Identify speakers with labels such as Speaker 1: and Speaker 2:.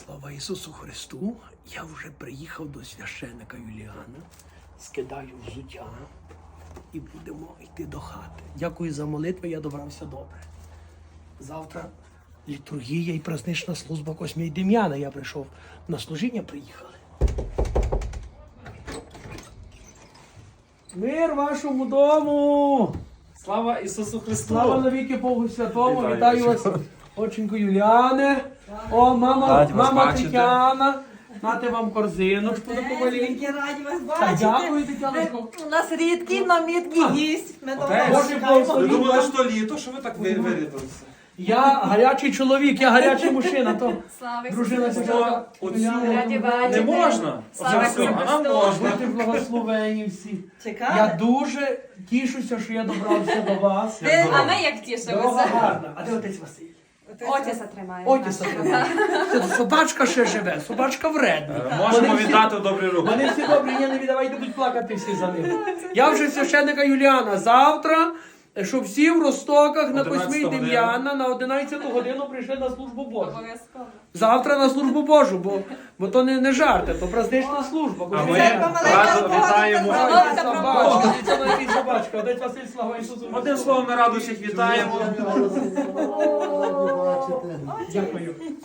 Speaker 1: Слава Ісусу Христу! Я вже приїхав до священика Юліана, скидаю взуття і будемо йти до хати. Дякую за молитви, я добрався добре. Завтра літургія і празднична служба Космія Дем'яна. Я прийшов на служіння, приїхали. Мир вашому дому!
Speaker 2: Слава Ісусу Христу!
Speaker 1: Слава навіки Богу Святому!
Speaker 2: Вітаю.
Speaker 1: Вітаю вас, оченько Юліане! О, мама,
Speaker 2: Раді вас
Speaker 1: мама
Speaker 2: бачити.
Speaker 1: Тетяна! Нате вам корзиночку до помалінь.
Speaker 3: Які раді вас
Speaker 1: Та
Speaker 3: бачити.
Speaker 1: дякую, Тетяночко.
Speaker 3: У нас рідкий, но міткий гість. Ми до
Speaker 2: Отець,
Speaker 3: вас
Speaker 1: Боже
Speaker 3: чекаємо.
Speaker 2: Ви
Speaker 1: благослови.
Speaker 2: думали, що літо, що ви так вирядилися?
Speaker 1: Я гарячий чоловік, я гарячий мужчина, то
Speaker 4: Слава
Speaker 1: дружина
Speaker 4: Ісусу
Speaker 1: Тетяна.
Speaker 2: Оцю
Speaker 4: Раді бачити.
Speaker 2: не можна?
Speaker 4: Слава
Speaker 2: Оце все,
Speaker 4: Ісусу
Speaker 2: а нам
Speaker 4: Христу.
Speaker 2: можна.
Speaker 1: Будьте благословені всі.
Speaker 3: Чекаємо.
Speaker 1: Я дуже тішуся, що я добрався до вас.
Speaker 4: А ми як
Speaker 1: Дорога
Speaker 4: тішимося.
Speaker 1: гарна. А де отець Василь?
Speaker 4: Отіса тримає.
Speaker 1: Отець Василь. Собачка ще живе, собачка вредна.
Speaker 2: Можемо
Speaker 1: Вони всі-
Speaker 2: віддати в добрі руки.
Speaker 1: Вони всі добрі, ні, не віддавайте, будуть плакати всі за ним. Я вже священника Юліана. Завтра, щоб всі в Ростоках на
Speaker 2: 11
Speaker 1: Космій
Speaker 2: годину.
Speaker 1: Дем'яна на 11 годину прийшли на службу Божу.
Speaker 4: Обов'язково.
Speaker 1: Завтра на службу Божу, бо то не жарти, то празднична служба.
Speaker 2: А ми
Speaker 3: Церква маленька,
Speaker 2: радо
Speaker 3: алкоголь,
Speaker 2: вітаємо.
Speaker 3: алкоголь.
Speaker 1: Ой, собачка, це навіть собачка. Отець Василь, слава Ісусу.
Speaker 2: Одним словом, ми радо всіх вітаємо.
Speaker 1: Дякую.